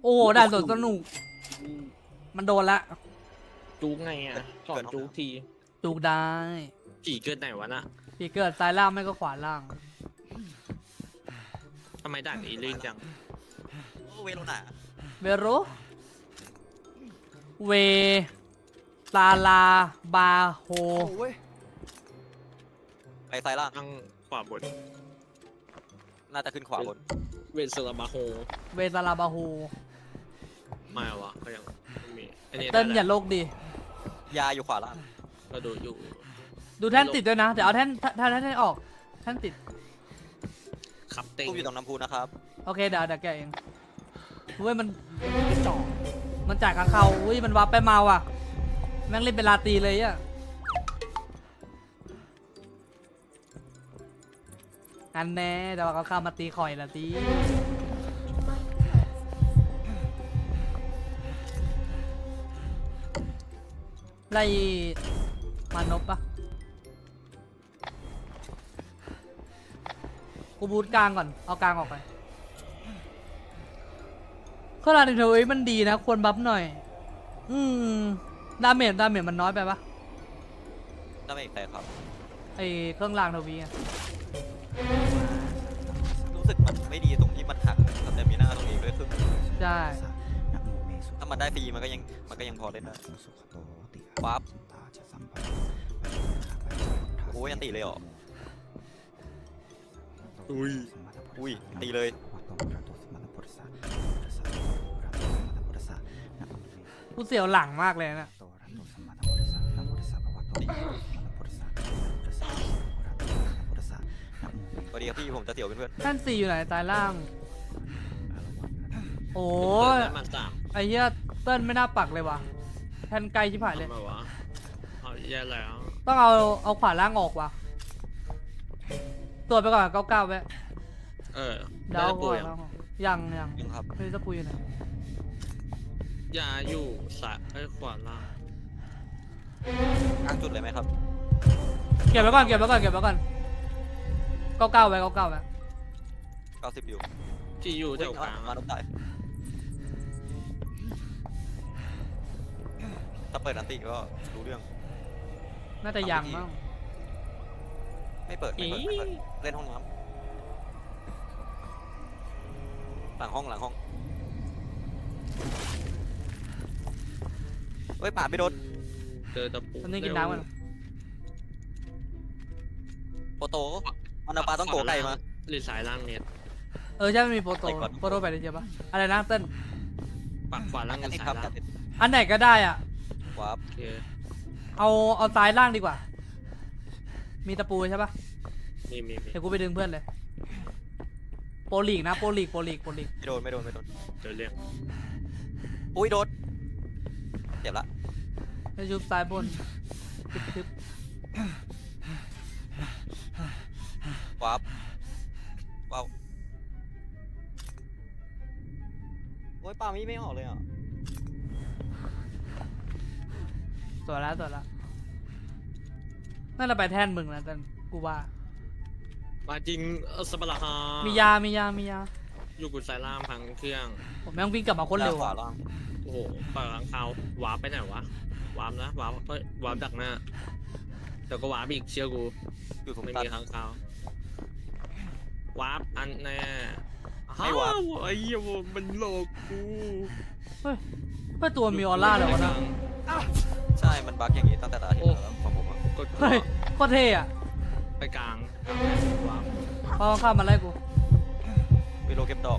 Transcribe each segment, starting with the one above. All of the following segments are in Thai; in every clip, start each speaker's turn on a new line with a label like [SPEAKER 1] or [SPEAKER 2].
[SPEAKER 1] อ้ด่านสวนสนุกมันโดนละ
[SPEAKER 2] จูงไงอ่ะสอนจูงที
[SPEAKER 1] จูกได้
[SPEAKER 2] ผีเกิดไหนวะน่ะ
[SPEAKER 1] พี่เกิดซ้ายล่างไม่ก็ขวาล่าง
[SPEAKER 2] ทำไมด่านนี้ลื่นจัง
[SPEAKER 3] เวโรนา
[SPEAKER 1] เวโรเวตาลาบาโฮ
[SPEAKER 3] ไปซ้ายล่าง
[SPEAKER 2] ตั้งขวาบน
[SPEAKER 3] น่าจะขึ้นขวาบน
[SPEAKER 2] เวนเซอร์บาโฮ
[SPEAKER 1] เวตาลาบาโฮ
[SPEAKER 2] ไม่วะก็ยังไม่มีอันนี้
[SPEAKER 1] เต้น
[SPEAKER 2] ได้
[SPEAKER 1] อย่าโลกดี
[SPEAKER 3] ยาอยู่ขวาล่าง
[SPEAKER 2] ก็ดูอยู่
[SPEAKER 1] ดูแท่นติดด้วยนะ เดี๋ยวเอาแท่นออกแท่นติด
[SPEAKER 2] ขับเต็ง
[SPEAKER 3] ตู้อยู่ตรงน้ำพุนะครับ
[SPEAKER 1] โอเคเดี๋ยวแกะเองเว้ยมันจ่อมันจ่ายกับเขาอุ้ยมันวับไปเมาอ่ะแม่งเล่นเป็นลาตีเลยอ่ะอันแน่เดี๋ยวเขาเข้ามาตีข่อยละตีไล่มานพปะกูบูทกลางก่อนเอากลางออกไปข้อราในเทวีมันดีนะควรบัฟหน่อยดาเมจมันน้อยไปปะ
[SPEAKER 3] น่าไม่ใช่ครับ
[SPEAKER 1] ไอเครื่องรางเทวีอะ
[SPEAKER 3] รู้สึกมันไม่ดีตรงที่มันหักสเตมิน่าตรงนี้ด้วยครึ่ง
[SPEAKER 1] ใช่
[SPEAKER 3] ถ้ามันได้ฟรีมันก็ยังพอเล่นได้ปั๊บโอ้ยยันตีเลยเหรอ อุ้ยตีเลย
[SPEAKER 1] กูเสียวหลังมากเลยนะ
[SPEAKER 3] สวัสดีครับพี่ผมจะเสียวเพื่อน
[SPEAKER 1] ท่านสี่อยู่ไหนตายล่าง โอ้
[SPEAKER 2] เกิดได้มันสาม
[SPEAKER 1] ไอเหี้ยเติ้ลไม่น่าปักเลยว่ะแทนไกลชิบหายเลย
[SPEAKER 2] ทำไมวะเอาแย่แล้ว
[SPEAKER 1] ต้องเอาขวาล่างออกว่ะตรวจไปก่อน99ไว้
[SPEAKER 2] เออ
[SPEAKER 1] เดี๋ยวเอาข
[SPEAKER 2] ป่ว
[SPEAKER 1] วาย ล่างออกยัง
[SPEAKER 3] ๆยังครับ
[SPEAKER 1] ไม่รู้จะคุยอยู่ไหน
[SPEAKER 2] ยาอยู่สายขวาล่าง
[SPEAKER 3] กลางจุดเลยไหมครับ
[SPEAKER 1] เก็บไว้ก่อน99ไว้99ไว้
[SPEAKER 3] 90อยู่
[SPEAKER 2] ที่อยู่แถวกลาง
[SPEAKER 3] มาลบได้ถ้าเปิดอันติก็รู้เรื่อง
[SPEAKER 1] น่าจะยังมั้ง
[SPEAKER 3] ไม่เปิดเล่นห้องน้ำหลังห้องเฮ้ยป่าดไม่โดน
[SPEAKER 2] เจอตะปู
[SPEAKER 1] ตอนนี้กินน้ำกัน
[SPEAKER 3] โปโตมันเอาปลาต้องโกไก่มา
[SPEAKER 2] หรือสายล่างเน็ต
[SPEAKER 1] ใช่ไม่มีโปรโต
[SPEAKER 3] ไปก่อน
[SPEAKER 1] ไปได้เจอปะอะไรนะเติ้ล
[SPEAKER 2] ปักขวาล่าง
[SPEAKER 3] กั
[SPEAKER 2] กัน บ
[SPEAKER 3] ติด
[SPEAKER 2] สา
[SPEAKER 3] ครั
[SPEAKER 2] ย
[SPEAKER 3] บ
[SPEAKER 2] ล่าง
[SPEAKER 3] ติด
[SPEAKER 1] อันไหนก็ได้อ่ะ
[SPEAKER 3] วาร์ป
[SPEAKER 2] โอเค
[SPEAKER 1] เอาซ้ายล่างดีกว่า มีตะปูใช่ปะ
[SPEAKER 2] มี
[SPEAKER 1] เดี๋ยวกูไปดึงเพื่อนเลยโปรลีกนะโปรลีก
[SPEAKER 3] ไม่โดน
[SPEAKER 2] เจอเรื่อง
[SPEAKER 3] อุ้ยโดนเจ็บละ
[SPEAKER 1] จะยุบซ้ายบนทึบ
[SPEAKER 3] วาร์ปว้าวโอ้ยปลามีไม่ออกเลยอ่ะ
[SPEAKER 1] ตัวแล้วน่าจะไปแท่นมึงนะแต่กูว่า
[SPEAKER 2] มาจริงสปาร์ฮา
[SPEAKER 1] มี
[SPEAKER 2] มี
[SPEAKER 1] ยา
[SPEAKER 2] อยู่กุสายล่างพังเครื่อง
[SPEAKER 1] ผมแม่งวิ่งกลับมาโคนเร็ว
[SPEAKER 3] ขวา
[SPEAKER 1] อะ
[SPEAKER 3] ล่าง
[SPEAKER 2] โอ้โหปากหลังเขาวาร์ปไปไหนวะวาร์ปนะวาร์ปเฮ้ยวาร์ปดักหน้าเดี๋ยวก็วาร์ปอีกเชื่อกู
[SPEAKER 3] อยู่ตรง
[SPEAKER 2] ไม่
[SPEAKER 3] ตัน
[SPEAKER 2] มีค้างคาววาร์ปอันแน่
[SPEAKER 3] ไม่วาร์ป
[SPEAKER 2] ไอ้เหี้ยมันโลกกู
[SPEAKER 1] เฮ้ยตัวมีออร่าเลยวะนะ
[SPEAKER 3] ใช่มันบั๊กอย่างนี้ตั้งแต่ตาที่แล้วของผมอ่ะ
[SPEAKER 2] กด
[SPEAKER 1] เฮ้ยโคตรเท่อะ
[SPEAKER 2] ไปกลางวาร์ป
[SPEAKER 1] พอเข้ามาไล่กู
[SPEAKER 3] ไปโลเก็บดอก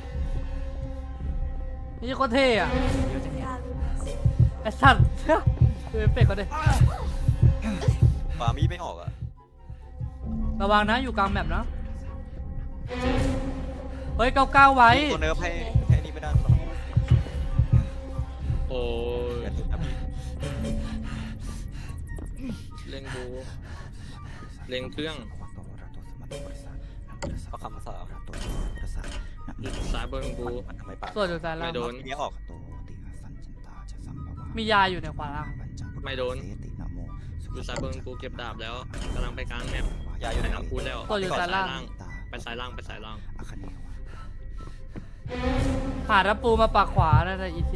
[SPEAKER 1] นี่โคตรเท่อะไอ้สัตว์ดูเอฟเฟกต์เขาดิ
[SPEAKER 3] ปลามีไม่ออกอ่ะ
[SPEAKER 1] ระวังนะอยู่กลางแมปนะเฮ้ย99ไว้
[SPEAKER 3] ตัวเนิร์ฟให้นี่ไม่ได้หรอก
[SPEAKER 2] โอ้ย
[SPEAKER 3] อย่าติดนะพี่
[SPEAKER 2] เล็งบูเล็งเครื่อง
[SPEAKER 3] เอาคำภาษา
[SPEAKER 2] สายบนบู
[SPEAKER 3] มันทำไมปลา
[SPEAKER 1] ส่วนอยู่ซ้ายล่าง
[SPEAKER 2] ไม่โดน
[SPEAKER 3] ทีนี้ออก
[SPEAKER 1] มียาอยู่ในขวาล่าง
[SPEAKER 2] ไม่โดนอยู่สายบนบูเก็บดาบแล้วกำลังไปกลางแมป
[SPEAKER 3] ยาอยู่
[SPEAKER 2] ไป
[SPEAKER 3] ไหน
[SPEAKER 2] น้ำพุแล้ว
[SPEAKER 1] ตัวอยู่ซ้ายล่าง
[SPEAKER 2] ไปสายล่าง
[SPEAKER 1] หาตะปูมาปักขวาน่าจะอีซี่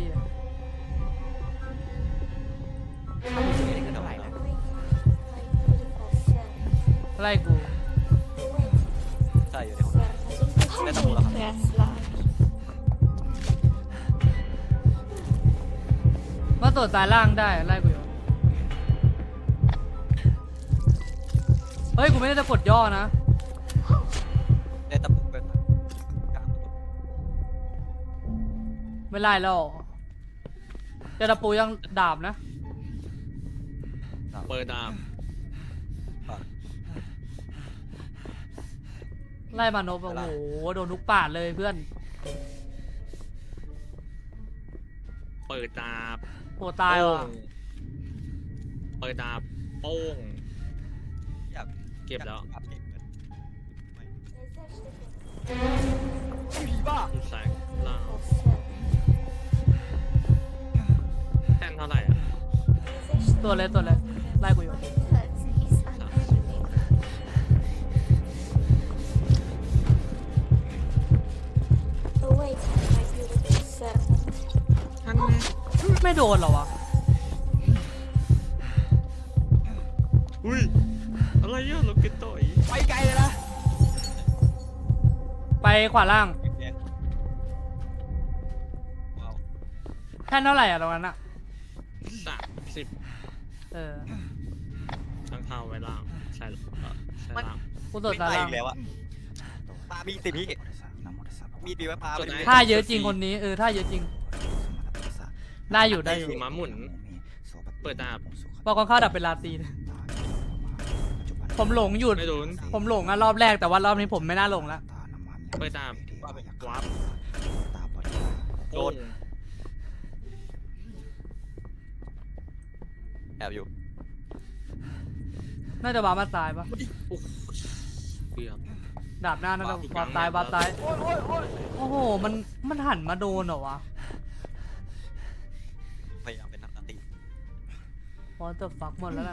[SPEAKER 3] เท่าไหร่นะ
[SPEAKER 1] ไล่กู
[SPEAKER 3] ใช่อยู่ในห้องน้ำได้ตะปูแล้วครับ
[SPEAKER 1] มาตรวจสายล่างได้ไล่กูอยู่เฮ้ยกูไม่ได้จะกดย่อนะ
[SPEAKER 3] ได้ตะปูเป็นกลางประตู
[SPEAKER 1] ไม่ไล่แล้วเจอตะปูยังดาบนะ
[SPEAKER 2] เปิดดาบ
[SPEAKER 1] ไล่มานพโอ้โหโดนทุกปาดเลยเพื่อน
[SPEAKER 2] เปิดดาบ
[SPEAKER 1] โอ้ตายว่ะ
[SPEAKER 2] โป้งเปิดดาบโป้ง
[SPEAKER 3] อยาก
[SPEAKER 2] เก็บแล้ว
[SPEAKER 3] อยากเก็บเงินไม่
[SPEAKER 2] แสงล่างแท่นเท่าไหร่อ่ะ
[SPEAKER 1] ตัวเลยไล่กูอยู่
[SPEAKER 2] ท่านแม่
[SPEAKER 1] ไม่โดนเหรอวะ
[SPEAKER 2] อุ้ยอะไรอ่ะเราเก็ตต่อย
[SPEAKER 3] ไปไกลเลยนะ
[SPEAKER 1] ไปขวาล่าง
[SPEAKER 3] แดงว้าว
[SPEAKER 1] แท่นเท่าไหร่อะตรงนั้นอะ
[SPEAKER 2] 30
[SPEAKER 1] เออ
[SPEAKER 2] ทั้งข้าวไว้ล่างใช่ล่าง
[SPEAKER 1] กูตรวจ
[SPEAKER 3] ไม่
[SPEAKER 1] สาย
[SPEAKER 3] ไป
[SPEAKER 1] ล่าง
[SPEAKER 3] อีกแล้วอะปามีสิพี่มีดีไหมปาไปดิ
[SPEAKER 1] ท่าเยอะจริงคนนี้ท่าเยอะจริง ได้อยู่ได้อยู่
[SPEAKER 2] ม้าหมุน เปิดดาบ
[SPEAKER 1] บอกก่อนเข้าดับเป็นลาตีนผมหลงหยุด
[SPEAKER 2] ไม่โดน
[SPEAKER 1] ผมหลงอะรอบแรกแต่ว่ารอบนี้ผมไม่น่าหลงละ
[SPEAKER 2] เปิดดาบวาร์ป
[SPEAKER 3] โดนแอบอยู่
[SPEAKER 1] น่าจะวามาตายปะ
[SPEAKER 2] โอ้โหเกือบ
[SPEAKER 1] ดาบหน้าน่าจะวาตายวาตายโอ้โหมันหันมาโดนเหรอวะ
[SPEAKER 3] พยายามเป็นนักดนตรี
[SPEAKER 1] พอจะฟักหมดแล้วนะ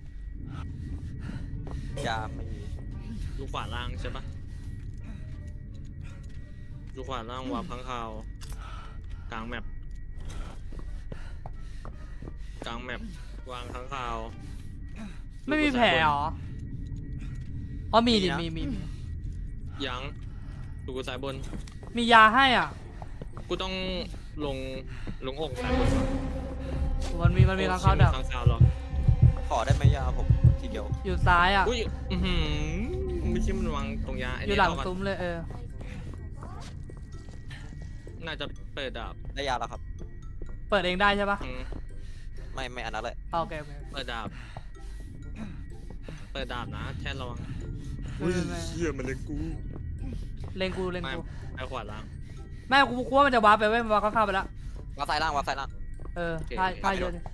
[SPEAKER 3] ยาไม่มี
[SPEAKER 2] ดูขวาล่างใช่ปะดูขวาล่างวาร์ปข้างคาวกลางแมปกลางแมปวางข้างคาว
[SPEAKER 1] ไม่มีแผลเหรออ๋อมีดิมี
[SPEAKER 2] ยังดูกูสายบน
[SPEAKER 1] มียาให้อ่ะ
[SPEAKER 2] กูต้องลงอกสายบนก่อน
[SPEAKER 1] มันมีข้างเขาดับ
[SPEAKER 2] ข้างคาวหรอ
[SPEAKER 3] ขอได้ไหมยาผมทีเดียว
[SPEAKER 1] อยู่ซ้ายอ่ะ
[SPEAKER 2] อุ้ยไม่ใช่มันวางตรงยา
[SPEAKER 1] อยู่หลังซุ้มเลย
[SPEAKER 2] น่าจะเปิดดาบ
[SPEAKER 3] ได้ยาแล้วครับ
[SPEAKER 1] เปิดเองได้ใช่ปะ
[SPEAKER 3] ไม่อันนั้นเลย
[SPEAKER 1] โอเค
[SPEAKER 2] เปิดดาบนะแท่นระวัง
[SPEAKER 1] ไม่
[SPEAKER 2] เหี้ยมันเลยกู
[SPEAKER 1] เล็งกู
[SPEAKER 2] ไปขวาล่าง
[SPEAKER 1] แม่กูกลัวมันจะวาร์ปไปเว้ยมันวาร์ปเข้าไปแล้ว
[SPEAKER 3] วับซ้ายล่าง
[SPEAKER 1] ท่าเยอะดิ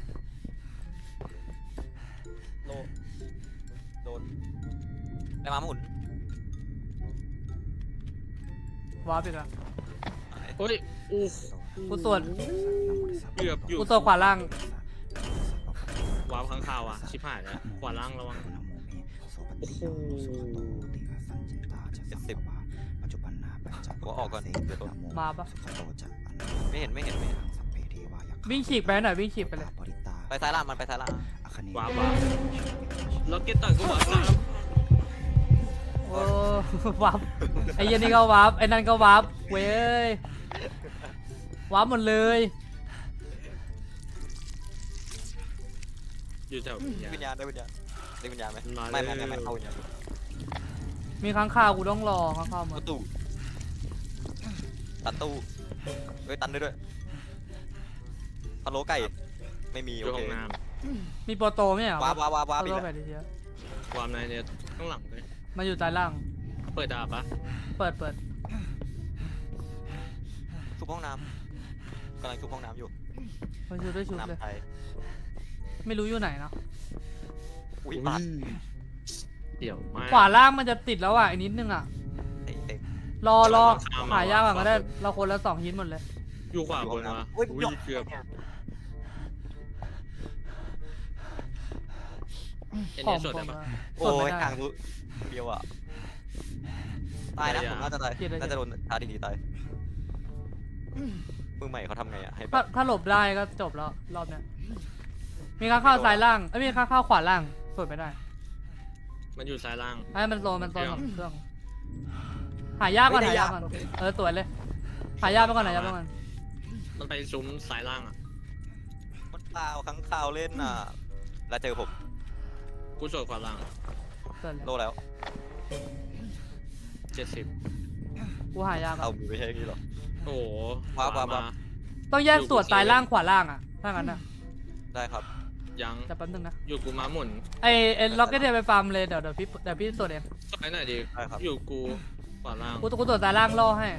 [SPEAKER 3] โดนได้มาหมุน
[SPEAKER 1] วาร์ปอีกอ่ะ
[SPEAKER 2] เฮ้ยอู้
[SPEAKER 1] กูตรวจ
[SPEAKER 2] เกือบอยู่
[SPEAKER 1] กูตรวจขวาล่าง
[SPEAKER 2] วาร์ปข้างคาวอ่ะชิบหายแล้วขวาล่างระวังโอ้โห
[SPEAKER 3] 70หัวออกก่อนเดี๋ยวโดน
[SPEAKER 1] มาปะ
[SPEAKER 3] ไม่เห็น
[SPEAKER 1] วิ่งฉีกไปหน่อยวิ่งฉีกไปเลย
[SPEAKER 3] ไปซ้ายล่างมันไปซ้ายล่าง
[SPEAKER 2] วาร์ปล็อกเก็ตต่อยกูวาร์ปน้ำ
[SPEAKER 1] โอ้ วาร์ปไอ้เหี้ยันนี่ก็วาร์ปไอ้นั่นก็วาร์ปเว้ยวาร์ปหมดเลย
[SPEAKER 2] อยู่แถววิญญาณ
[SPEAKER 3] วิญญาณได้วิญญาณไหม
[SPEAKER 2] มา
[SPEAKER 3] ไม่
[SPEAKER 2] เลย
[SPEAKER 3] เข้าวิญญาณ
[SPEAKER 1] มีค้างคาวกูต้องรอค้างคาวหม
[SPEAKER 3] ป
[SPEAKER 1] ด
[SPEAKER 3] ระตูตัดตู้ตันด้วยพะโล้ไก่ไม่มี
[SPEAKER 2] อ
[SPEAKER 3] โอยู่ เค
[SPEAKER 2] ห้องน้
[SPEAKER 1] มีโปรโตไหมอ่ะ
[SPEAKER 3] ว้าบ
[SPEAKER 1] โปร
[SPEAKER 3] อีก
[SPEAKER 1] โต
[SPEAKER 3] แล้ว
[SPEAKER 1] แบบนี้เชียว
[SPEAKER 2] ำวาร์ปในเนี่ยข้างหลังเลย
[SPEAKER 1] มาอยู่ใต้ล่าง
[SPEAKER 2] เปิดดาบปะ
[SPEAKER 1] เปิด
[SPEAKER 3] ชุบห้องน้ำกำลังชุบห้องน้ำอยู่
[SPEAKER 1] มาอยู่ด้วยชุดเลย
[SPEAKER 3] น้ำไทย
[SPEAKER 1] ไม่รู้อยู่ไหนเนาะ
[SPEAKER 3] อุ้ยปัด
[SPEAKER 2] เดี๋ยวมา
[SPEAKER 1] ขวาล่างมันจะติดแล้วอ่ะอีกนิดนึงอ่ะ
[SPEAKER 3] เตะ
[SPEAKER 1] รอหายากก่อนก็ได้เราคนละ2ฮิตหมดเลย
[SPEAKER 2] อยู่ขวาบนวะ
[SPEAKER 3] อุ้ย
[SPEAKER 2] เกือบเอ็น
[SPEAKER 1] ขอ
[SPEAKER 2] เอง สด
[SPEAKER 1] ผ
[SPEAKER 2] ได้
[SPEAKER 1] ม
[SPEAKER 2] ปะ
[SPEAKER 1] อะ
[SPEAKER 3] โอ้
[SPEAKER 1] สดไม่
[SPEAKER 3] ย
[SPEAKER 1] ได้
[SPEAKER 3] ห่างเดียวอ่ะตายนะผมน่าจะตายน่าจะโดนทาดีตายมือใหม่เขาทำไงอะให้แบ
[SPEAKER 1] ถ้า
[SPEAKER 3] บ
[SPEAKER 1] หลบได้ก็จบแล้วรอบเนี้ยมีข้างเข้าซ้ายล่างมีข้างเข้าขวาล่างสวดไม่ได้
[SPEAKER 2] มันอยู่ซ้ายล่าง
[SPEAKER 1] ไอ้มันโซนของเครื่องหายากก่อนหายากก่อนสวยเลยหายากไปก่อนหายากไปก่อน
[SPEAKER 2] มันไปซุ้มซ้ายล่างอ่ะ
[SPEAKER 3] มันเปล่าข้างข่าวเล่นน่ะ แล้วเจอผม
[SPEAKER 2] กูสวดขวาล่าง
[SPEAKER 1] สวยเลย
[SPEAKER 3] โลแล้ว
[SPEAKER 2] 70
[SPEAKER 1] กูหายากก่อ
[SPEAKER 3] เอา
[SPEAKER 1] น
[SPEAKER 3] ไม่ใช่นี่หรอ
[SPEAKER 2] โอ้โห
[SPEAKER 3] ว้าว
[SPEAKER 2] ขว
[SPEAKER 3] ว้าว
[SPEAKER 1] ต้องแยกสวดซ้ายล่างขวาล่างอ่ะถ้างั้นนะ
[SPEAKER 3] ได้ครับ
[SPEAKER 2] ยัง
[SPEAKER 1] แต่แป๊บนึงนะ
[SPEAKER 2] อยู่กูม้าหมุน
[SPEAKER 1] ไอ้ล็อกเก็ตเดียไปฟาร์มเลยเดี๋ยวพี่สวดเอง
[SPEAKER 2] สวยหน่อยดิ
[SPEAKER 3] ได้ครับ
[SPEAKER 2] อยู่กูขวาล่าง
[SPEAKER 1] กูสวดซ้ายล่างล่อให้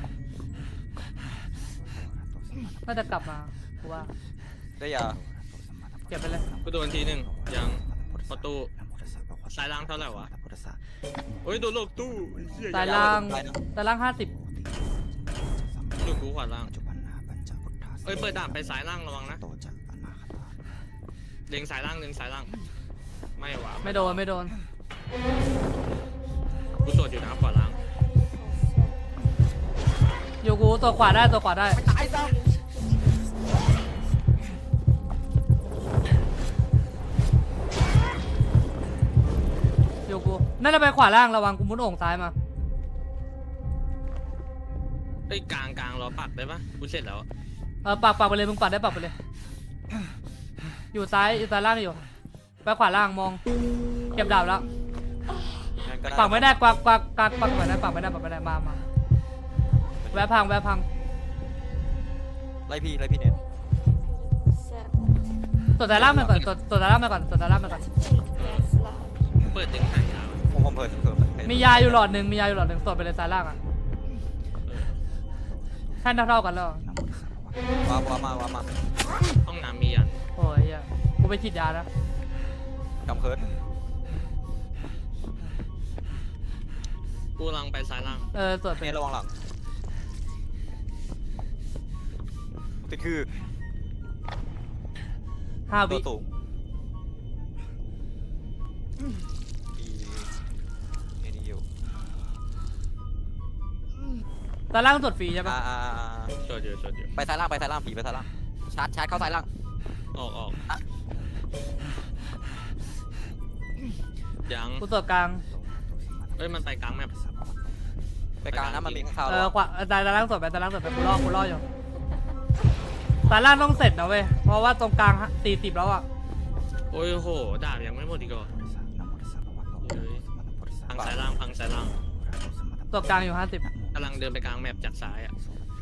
[SPEAKER 1] น่าจะกลับมากูว่า
[SPEAKER 3] ได้ยา
[SPEAKER 1] เก็บไปเลย
[SPEAKER 2] กูโดนทีหนึ่งยังประตูซ้ายล่างเท่าไหร่วะโอ้ยโดนโลกตู้เหี้ย
[SPEAKER 1] ซ้ายล่าง
[SPEAKER 3] ได้นะ
[SPEAKER 1] ซ้ายล่าง50
[SPEAKER 2] อยู่กูขวาล่างเอ้ยเปิดดาบไปซ้ายล่างระวังนะเล็งซ้ายล่างไม่หวะ
[SPEAKER 1] ไม่โดน
[SPEAKER 2] กูสวดอยู่นะขวาล่าง
[SPEAKER 1] อยู่กูตัวขวาได้
[SPEAKER 3] ตายซะ
[SPEAKER 1] อยู่กูน่าจะไปขวาล่างระวังกูมุดโอ่งซ้ายมา
[SPEAKER 2] เอ้ยกลางรอปักได้ปะกูเสร็จแล้ว
[SPEAKER 1] ปักไปเลยมึงปักได้ปักไปเลย อยู่ซ้ายล่างอยู่ไปขวาล่างมองเก็บดาบแล้ว
[SPEAKER 3] งั้นก็
[SPEAKER 1] ปักไม่ได้ปักไม่ได้มาแวะพัง
[SPEAKER 3] ไล่พี่เน็ต
[SPEAKER 1] ตัวซ้ายล่างมาก่อนตัวซ้ายล่างมาก่อน
[SPEAKER 2] เปิดดึงหายยาว
[SPEAKER 3] ผมเพิ่ม
[SPEAKER 1] มียาอยู่หลอดหนึ่งสวดไปเลยซ้ายล่างอ่ะแท่นเท่ากันแล้ว
[SPEAKER 3] ว้าวมา
[SPEAKER 2] ห้องน้ำมียัน
[SPEAKER 1] โอ้ยเหี้ยกูไปฉีดยานะ
[SPEAKER 3] กำเคิร์ด
[SPEAKER 2] กูกำลังไปซ้ายล่าง
[SPEAKER 1] สวดไป
[SPEAKER 3] เน็ตระวังหลังติดคือ
[SPEAKER 1] 5
[SPEAKER 3] ตั
[SPEAKER 1] วิ
[SPEAKER 3] วสูงมีนี่อยู่
[SPEAKER 1] ซ้ายล่างสวดฟรีใช่ปะ
[SPEAKER 2] สวดอยู่
[SPEAKER 3] ไปซ้ายล่างผีไปซ้ายล่างชาร์จเข้าซ้ายล่าง
[SPEAKER 2] ออกยัง
[SPEAKER 1] กูสวดกลาง
[SPEAKER 2] เอ้ยมันไปกลางแมป
[SPEAKER 3] ไปกลางนะมันมีข้างข่าว
[SPEAKER 1] ขวาซ้ายล่างสวดไปกูรออยู่ซ้ายล่างต้องเสร็จนะเว้ยเพราะว่าตรงกลาง40แล้วอ่ะ
[SPEAKER 2] โอ้ยโหดาบยังไม่หมดอีกเหรอเฮ้ยพังซ้ายล่าง
[SPEAKER 1] สวดกลางอยู่50
[SPEAKER 2] กำลังเดินไปกลางแมปจากซ้ายอ่ะ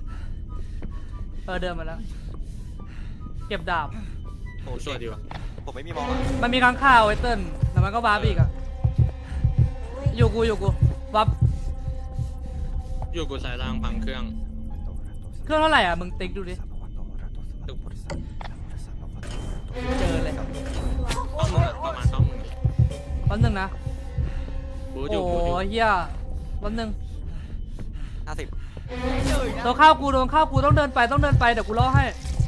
[SPEAKER 1] เดินมาแล้ว เก็บดาบ
[SPEAKER 3] โอ้
[SPEAKER 2] กูสวดอยู่
[SPEAKER 3] ผมไม่มีมองอ่ะ
[SPEAKER 1] มันมีค้างคาวไอ้เติ้ลแต่มันก็วาร์ปอีกอ่ะอยู่กูวาร์ป
[SPEAKER 2] อยู่กูซ้ายล่างพังเครื่อง
[SPEAKER 1] เครื่องเท่าไหร่อ่ะมึงติ๊กดูดิเจอเลย
[SPEAKER 2] ต้องมึงอะประมาณต้องมึง
[SPEAKER 1] แป๊บนึงนะ
[SPEAKER 2] บูดอ
[SPEAKER 1] โอ้
[SPEAKER 2] ยู่บูดอยู่
[SPEAKER 1] เฮียแป๊บนึง
[SPEAKER 3] 50
[SPEAKER 1] ตัวข้าวกูต้องเดินไปเดี๋ยวกูล่อให้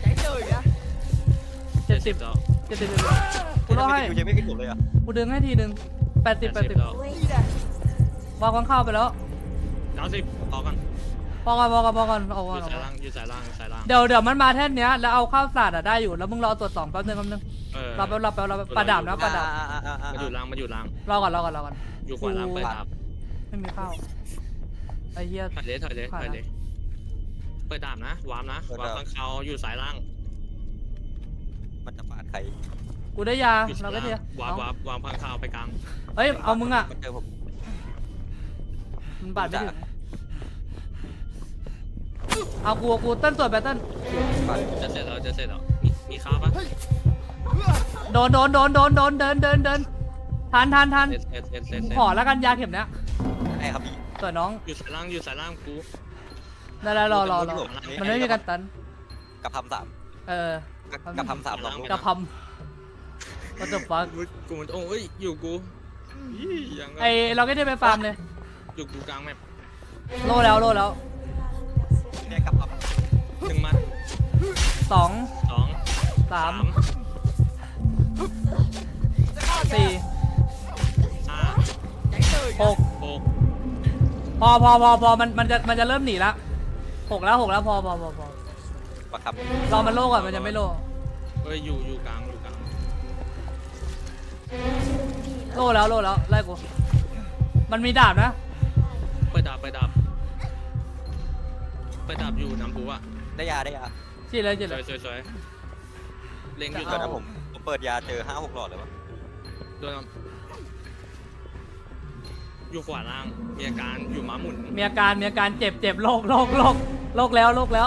[SPEAKER 1] 70
[SPEAKER 2] แล้ว
[SPEAKER 1] กูล่อให้
[SPEAKER 3] อยู่ยังไม่ขึ้นผมเลยอ่ะ
[SPEAKER 1] กูดึงให้ทีนึง80
[SPEAKER 2] แล้ว
[SPEAKER 1] วางค้างคาวไปแล้ว
[SPEAKER 2] 90พอกัน
[SPEAKER 1] พอก่อนเอาก่อน
[SPEAKER 2] อยู่ซ้ายล่าง
[SPEAKER 1] เดี๋ยวมันมาแท่นเนี้ยแล้วเอาข้าวสารได้อยู่แล้วมึงรอตรวจ2แป๊บนึงรอปลาดาบนะปลาดาบ
[SPEAKER 2] มาอยู่ล่าง
[SPEAKER 1] รอก่อน
[SPEAKER 2] อยู่ขวาล่างไปดับ
[SPEAKER 1] ไม่มีข้าวไอ้เหี้ย
[SPEAKER 2] ถอยเลยเปิดดาบนะวาร์มข้างเขาอยู่ซ้ายล่าง
[SPEAKER 3] มันจะปาดใคร
[SPEAKER 1] กูได้ยา
[SPEAKER 2] อยู่ซ้า
[SPEAKER 1] เรา
[SPEAKER 2] ย
[SPEAKER 1] ก็
[SPEAKER 2] ล่าง
[SPEAKER 1] เทียว
[SPEAKER 2] าร์มข้างเขาไปกลาง
[SPEAKER 1] เอ้ยเอามึงอ่ะ
[SPEAKER 3] มันเจอผม
[SPEAKER 1] มันบาดไม่ถึงเอากูเต้นตรวจไปเต้น
[SPEAKER 2] จะเสร็จแล้วมีข้าวปะ
[SPEAKER 1] โดนเดินทัน
[SPEAKER 2] เสร็จ
[SPEAKER 1] ขอแล้วกันยาเข็มเนี้ย
[SPEAKER 3] ไอ้ครับพี่
[SPEAKER 1] ตัวน้อง
[SPEAKER 2] อยู่ซ้ายล่างกู
[SPEAKER 1] ได้รอมันไม่มีการตัน
[SPEAKER 3] กับทำ3 กับทำ3ลอง
[SPEAKER 1] กระพำก็จบฟัง
[SPEAKER 2] กูมันโอ้ยอยู่กูยัง
[SPEAKER 1] ไอเราก็ได้ไปฟาร์มเลย
[SPEAKER 2] อยู่กูกลางแมป
[SPEAKER 1] โลแล้ว
[SPEAKER 3] เนี่ยกับท
[SPEAKER 2] 1มัด
[SPEAKER 1] 2
[SPEAKER 2] 2
[SPEAKER 1] 3
[SPEAKER 2] 3
[SPEAKER 1] 4
[SPEAKER 2] 5
[SPEAKER 1] 6
[SPEAKER 2] 6
[SPEAKER 1] พอมันจะเริ่มหนีละ6แล้วพอ
[SPEAKER 3] ประคับ
[SPEAKER 1] รอมันโล่ก่อนมันยังไม่โล่
[SPEAKER 2] เอ้ยอยู่กลาง
[SPEAKER 1] โล่แล้วไล่กูมันมีดาบนะ
[SPEAKER 2] เปิดดาบอยู่น้ำปูอ่ะ
[SPEAKER 3] ได้ยา
[SPEAKER 1] จีเลย
[SPEAKER 2] สวยเล็งอยู่
[SPEAKER 3] เดี๋ยวนะผมเปิดยาเจอ5-6 หลอดเลยวะ
[SPEAKER 2] โดนอยู่ขวาล่างมีอาการอยู่ม้าหมุน
[SPEAKER 1] มีอาการเจ็บโรคแล้ว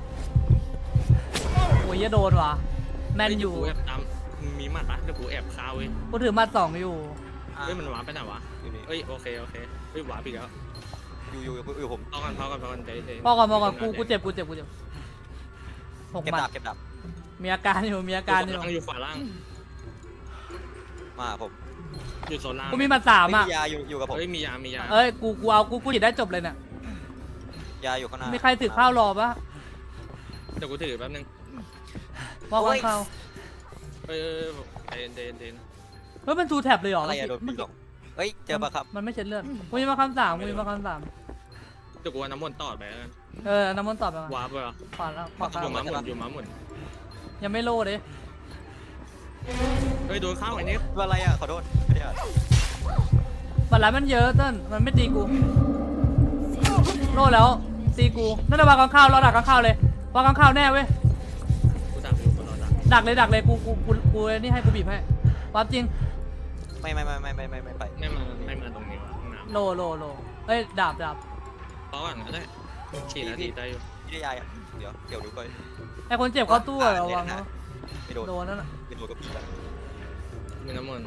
[SPEAKER 1] โอ้ยอย่าโดนว่ะแมนอยู่
[SPEAKER 2] แอบตามมีหมัดปะเดี๋ยวกูแอบคาเว้ย
[SPEAKER 1] กูถือมา2อยู่
[SPEAKER 2] เฮ้ยมันหวาไปไหนวะ
[SPEAKER 3] อยู่นี่
[SPEAKER 2] เอ้ยโอเคเฮ้ยหวาปีกแล้ว
[SPEAKER 3] อยู่ผม
[SPEAKER 2] พอกันใจ
[SPEAKER 1] พอก่อนกูเจ็บ6
[SPEAKER 3] เก็บ
[SPEAKER 1] หมั
[SPEAKER 3] ดา
[SPEAKER 1] ด
[SPEAKER 3] บเก็บดาบ
[SPEAKER 1] มีอาการอยู่
[SPEAKER 2] อยู่ขวาล่าง
[SPEAKER 3] มาผม
[SPEAKER 2] อยู่โซนล่าง
[SPEAKER 1] กูมีมา3อ่ะ
[SPEAKER 3] ยาอยู่กับผม
[SPEAKER 2] เฮ้ยมียา
[SPEAKER 1] เอ้ยกูเอากูหยิบได้จบเลยเนี่ย
[SPEAKER 3] ยาอยู่ข้างหน้า
[SPEAKER 1] มีใครถือข้าวรอปะ
[SPEAKER 2] เดี๋ยวกูถือแป๊บนึง
[SPEAKER 1] ว่าข้าว
[SPEAKER 2] เอ้ยเดน
[SPEAKER 1] เฮ้ยมันทูแท็บเลยเหรอ
[SPEAKER 3] อะไรอะโดนปีกเฮ้ยเจอปะครับ
[SPEAKER 1] มันไม่เช็ดเลือดกูมีมาคำ3
[SPEAKER 2] เดี๋ยวกูเอาน้ำมนต์ต่อไปแล้วกัน
[SPEAKER 1] น้ำมันตอบไปมาว
[SPEAKER 2] าร์ปไปเหรอ
[SPEAKER 1] ขวาแล้วขวา
[SPEAKER 2] อยู่
[SPEAKER 1] ข้าว
[SPEAKER 2] ม้าหมุน
[SPEAKER 1] ยังไม่โล่เลย
[SPEAKER 2] เฮ้ยโดนเข้าไอ้นี่
[SPEAKER 3] อะไรอ่ะขอโทษไม่ได้อ่าน
[SPEAKER 1] บัตรร้ายมันเยอะเต้นมันไม่ตีกูโล่แล้วตีกูนั่นน่ะวางข้าวเราดักข้าวเลยวางข้าวแน่เว้ย
[SPEAKER 2] กูดักอยู่ตลอดดัก
[SPEAKER 1] ดักเลยกูนี่ให้กูบีบให้ความจริง
[SPEAKER 3] ไม่ไป
[SPEAKER 2] ไม่มาตรงนี้วะห้องน้ำ
[SPEAKER 1] โลเอ้ยดาบ
[SPEAKER 2] เพราะว่างั้นได้ฉีดนาทีได้อยู่
[SPEAKER 3] ไม่ได้ยาอ่ะเดี๋ยวดูก่อน
[SPEAKER 1] ไอคนเจ็บเข้าตู้อะระวังนะ
[SPEAKER 3] ไม่โดน
[SPEAKER 1] โดนนั่นน่ะ
[SPEAKER 3] ไม่โดนกับพี่แล้ว
[SPEAKER 2] มีน้ำมนต์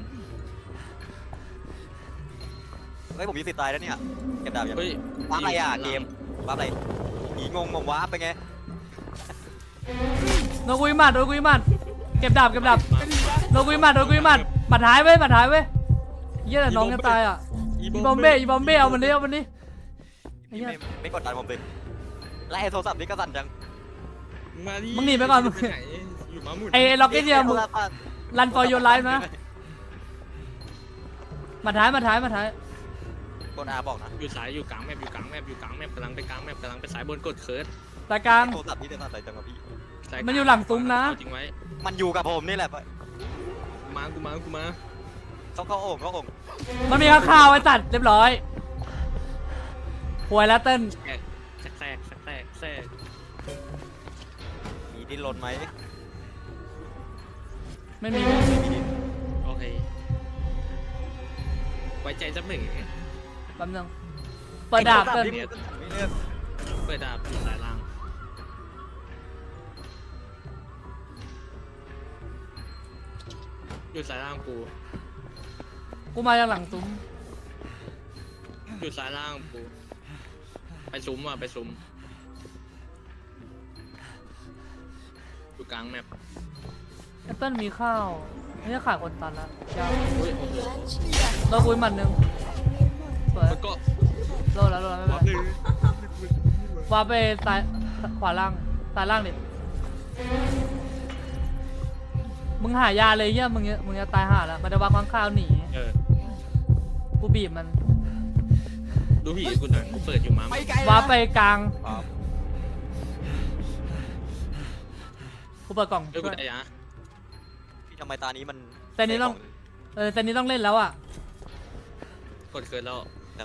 [SPEAKER 3] เฮ้ยผมมีสิทธิ์ตายแล้วเนี่ยเก็บดาบยัง
[SPEAKER 2] เฮ้ย
[SPEAKER 3] ว้าอะไรอ่ะเกมว้าอะไรผีงงว้าไปไง
[SPEAKER 1] โดนกุยหมัดเก็บดาบโดนกุยหมัดบัดท้ายเว้ยเหี้ยแต่น้องจะตายอ่ะอีบอมเบ้เอามันดิไอ้เหี้ย
[SPEAKER 3] ไม่กดดันผมเลยไล่โทรศัพท์นี่ก็สั่นจัง
[SPEAKER 2] มาดิ
[SPEAKER 1] มึงหนีไปก่อน
[SPEAKER 2] ไหนอยู่ม้าหมุน
[SPEAKER 1] ไอ้ล็อกเก็ตเดียวมึงรันฟอร์ยูไลฟ์นะมาท้าย
[SPEAKER 3] กดอาบอกนะ
[SPEAKER 2] อยู่สายอยู่กลางแมปกำลังไปกลางแมปกำลังไปสายบนกดเคิร์ด
[SPEAKER 1] รายการ
[SPEAKER 3] โทรศัพท์นี่จะสั่นใจจังวะพี่
[SPEAKER 1] มันอยู่หลังซุ้มนะ
[SPEAKER 2] จริงไว้
[SPEAKER 3] มันอยู่กับผมนี่แหละ
[SPEAKER 2] กูมา
[SPEAKER 3] เขาโอ่ง
[SPEAKER 1] มันมีข้าวไอ้ตัดเรียบร้อยหวยแล้วเต้น
[SPEAKER 2] แทรก
[SPEAKER 3] มีดิ้นรนไหม
[SPEAKER 1] ไม่มี
[SPEAKER 3] ไม่มีดิ้น
[SPEAKER 2] โอเคไว้ใจสักหนึ่ง
[SPEAKER 1] แป๊บนึงเปิดดาบเต้น
[SPEAKER 3] ไม่เลือก
[SPEAKER 2] เปิดดาบอยู่สายล่างอยู่สายล่างกู
[SPEAKER 1] มาจากหลังซุ้ม
[SPEAKER 2] อยู่สายล่างกูไปซุ้มอยู่กลางแมป
[SPEAKER 1] ไอ้เต้นมีข้าวไม่ใช่ขาดคนตันแล้วยาว
[SPEAKER 2] อุ้ยโอ้โห
[SPEAKER 1] เราคุยหมัดหนึ่งสวย
[SPEAKER 2] มันก็
[SPEAKER 1] โลแล้วไม่เป็นไรวาไปซ้ายขวาล่างซ้ายล่างดิมึงหายาเลยเหี้ยมึงจะตายห่าแล้วมันจะวางข้าวหนี กูบีบมัน
[SPEAKER 2] ดูผีกูหน่อยเปิดอยู่มา
[SPEAKER 1] วาไปกลาง
[SPEAKER 3] ครับ
[SPEAKER 1] กูเปิดกล่อง
[SPEAKER 2] เอ้ย
[SPEAKER 1] ช่
[SPEAKER 2] กู
[SPEAKER 1] วย
[SPEAKER 2] ตายยะ
[SPEAKER 3] พี่ทำไมตานี้มัน
[SPEAKER 1] แต่นี้ต้องแต่นี้ต้องเล่นแล้วอ่ะ
[SPEAKER 2] กดเคิร์ดแล้ว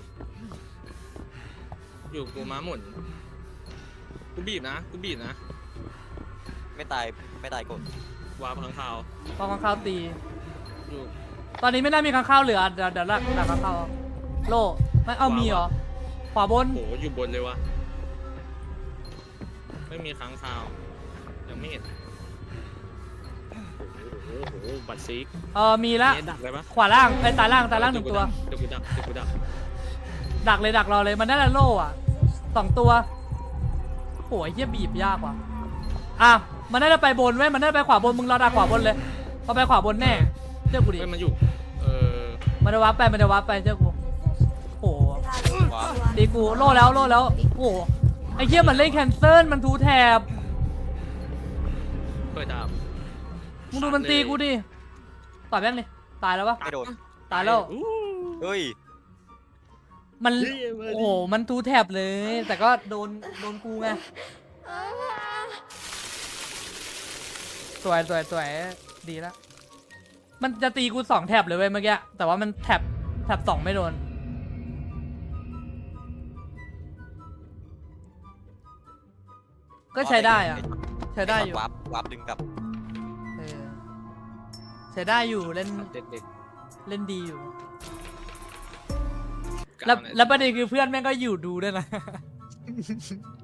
[SPEAKER 2] อยู่กูม้าหมุนกูบีบนะ
[SPEAKER 3] ไม่ตายกด
[SPEAKER 2] วาพังข่าว
[SPEAKER 1] พอข้าวตี
[SPEAKER 2] อยู่
[SPEAKER 1] ตอนนี้ไม่น่ามีข้าวเหลือเดี๋ยวดักข้าวโล่ไม่เอามีเหรอขวาบน
[SPEAKER 2] โหอยู่บนเลยวะไม่มีค้างข่าวยังไม่เห็นโอ้โหบัตรซิก
[SPEAKER 1] มีละ
[SPEAKER 2] ดักเลยปะ
[SPEAKER 1] ขวาล่างไอ้ตาล่างหนึ่งตัว
[SPEAKER 2] เดี๋ยวกูดัก
[SPEAKER 1] ดักรอเลยมันน่าจะโล่อะ2 ตัวโหยเหี้ยบีบยากว่ะมันน่าจะไปบนเว้ยมันน่าจะไปขวาบนมึงรอดักขวาบนเลยพอไปขวาบนแน่เชื่อกูดิ
[SPEAKER 2] เฮ้ยมันอยู่
[SPEAKER 1] มันจะวับไปเชื่อกูโห
[SPEAKER 3] ว้า
[SPEAKER 1] ตีกูโล่แล้วโอ้ไอ้เหี้ยมันเล่นแคนเซิลมันทูแถบ
[SPEAKER 2] เปิดดาบ
[SPEAKER 1] มึงดูมันตีกูดิต่อยแม่งเลยตายแล้วปะ
[SPEAKER 3] ไม่โดน
[SPEAKER 1] ตายแล้ว
[SPEAKER 3] เฮ้ย
[SPEAKER 1] มันโอ้โหมันทูแถบเลย แต่ก็โดนกูไงสวยสวยสวยดีแล้วมันจะตีกู2แท็บเลยเว้ยเมื่อกี้แต่ว่ามันแท็บ2ไม่โดนก็ใช้ได้อะใช้ได้อยู่
[SPEAKER 3] วาร์ปดึงกลับ
[SPEAKER 1] เออใช้ได้อยู่เล่น
[SPEAKER 2] เด็ก
[SPEAKER 1] เล่นดีอยู่
[SPEAKER 2] ๆ
[SPEAKER 1] แล้ว
[SPEAKER 2] ก้า
[SPEAKER 1] แล้วประเด็นคือเพื่อนแม่งก็อยู่ดูด้วยนะ